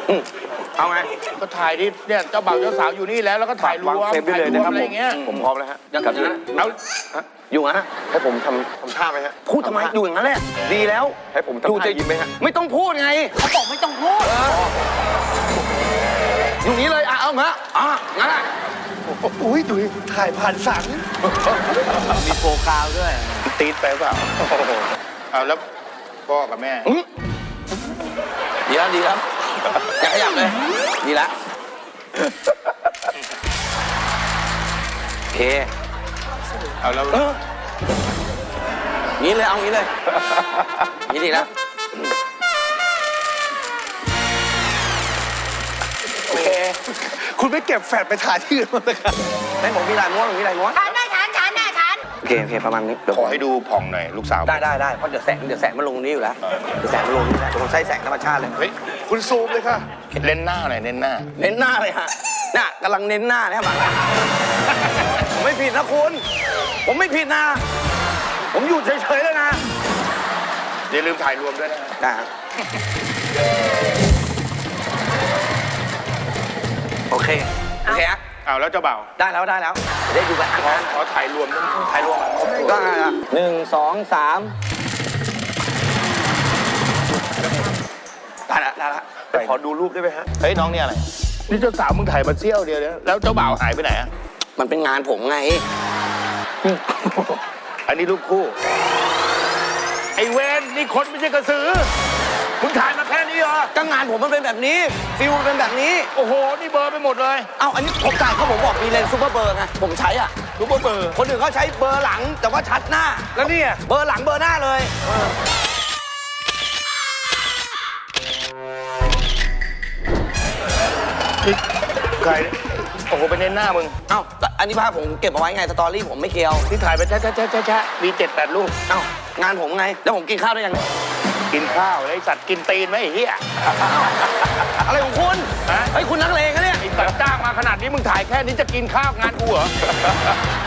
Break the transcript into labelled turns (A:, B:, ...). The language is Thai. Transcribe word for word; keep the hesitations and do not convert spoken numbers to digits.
A: เอาไง
B: ก็ถ่ายที่เนี่ยเจ้าบ่าวเจ้าสาวอยู่นี่แล้วแล้วก็ถ่ายรวม
A: เซฟได้เลยนะครับ
B: อะไรเงี้ย
A: ผมพร้อมแล้วฮะ
C: อย่างนั้นนะ
B: เอา
A: อยู่ฮะ
D: ให้ผมทำทำท่าไหมฮะ
A: พูดทำไมอยู่อย่างนั้นแหละดีแล้ว
D: ให้ผมทำท่ายิ้มไหมฮะ
A: ไม่ต้องพูดไง
C: เขาบอกไม่ต้องพูด
A: อยู่นี้เลยอ่ะเอามาอ่ะงั้นอ่ะ
D: อุ้ยดุยถ่ายผ่านสัง
C: มีโฟกาวด้วย
B: ตีดไปเปล่าเอาแล้วพ่อกับแม่
A: ดีแล้วดีแล้วอย่าขยับเลยดีแล้วโอเค
B: เอาแล้ว
A: เอองี้เลยเอางี้เลยงี้ดีแล้วโอเค
D: คุณไม่เก็บแฟดไปถ่ายที่อื่นมั้างนะครับ
A: ให้ผมมีลายม้วนผมมีลายม้วน
E: ฉันได้ฉันฉันได้ฉัน
A: โอเคโอเคประมาณนี้เดี๋ยว
B: ขอให้ดูผ่องหน่อยลูกสาว
A: ได้ได้ได้เพราะเดี๋ยวแสงเดี๋ยวแสงมันลงตรงนี้อยู่แล้วเดี๋ยวแสงมันลงนี่แหละผมใช้แสงธรรมชาติเลย
B: เฮ้ย
D: คุณซูมเลยค่ะ
B: เล่นหน้าหน่อยเล่นหน้า
A: เน้นหน้าเลยฮะน่ะกำลังเน้นหน้าเนี่ยบังผมไม่ผิดนะคุณ ผมไม่ผิดนะ ผมอยู่เฉยๆเลยนะ
B: อย่าลืมถ่ายรวมด้วยนะ
A: ได้ฮะโอเคโอเคฮะ
B: เอาแล้วเจ้าบ่าว
A: ได้แล้วได้แล้วเดี๋ยวได้ดูกัน
B: ขอขอถ่ายรวมด้วย
A: ถ่ายรวมก็ได้ละหนึ่งสองสามได้ละได้ละ
D: ขอดูรูปได้ไหมฮะ
B: เฮ้ยน้องนี่อะไรนี่เจ้าสาวมึงถ่ายมาเที่ยวเดียวเนี่ยแล้วเจ้าบ่าวหายไปไหนอ่ะ
A: มันเป็นงานผมไง
B: อันนี้รูปคู่ไอเวนนี่คนไม่ใช่กระสือมึงถ่ายมาแค่นี้เหรอ
A: ก็งานผมมันเป็นแบบนี้ฟิลมันเป็นแบบนี้
B: โอ้โหนี่เบอร์ไปหมดเลย
A: เอ้าอันนี้ผมจ่ายเขาผมบอกมีเลนส์ซูเปอร์เบอร์ไงผมใช้อ่ะ
B: รูปเบอร์
A: คนอื่นเขาใช้เบอร์หลังแต่ว่าชัดหน้า แล้วเนี่ยเบอร์หลังเบอร์หน้าเลย
B: ใครโอ้โหไปเน้นหน้ามึง
A: เอ้าอันนี้ภาพผมเก็บเอาไว้ไงสตอรี่ผมไม่เกี่ยว
B: ที่ถ่ายไปแชะแชะแชะแชะแชะมีเจ็ดแปดรูป
A: เอ้างานผมไงแล้วผมกินข้าวได้ยัง
B: กินข้าวไอสัตว์กินตีนไหมไอ้เหี้ย
A: อะไรของคุณ
B: ฮะ
A: ไอ้ยคุณนักเลงนะเนี่ย
B: ไอสัตว์จ้างมาขนาดนี้มึงถ่ายแค่นี้จะกินข้าวงานกูเหรอ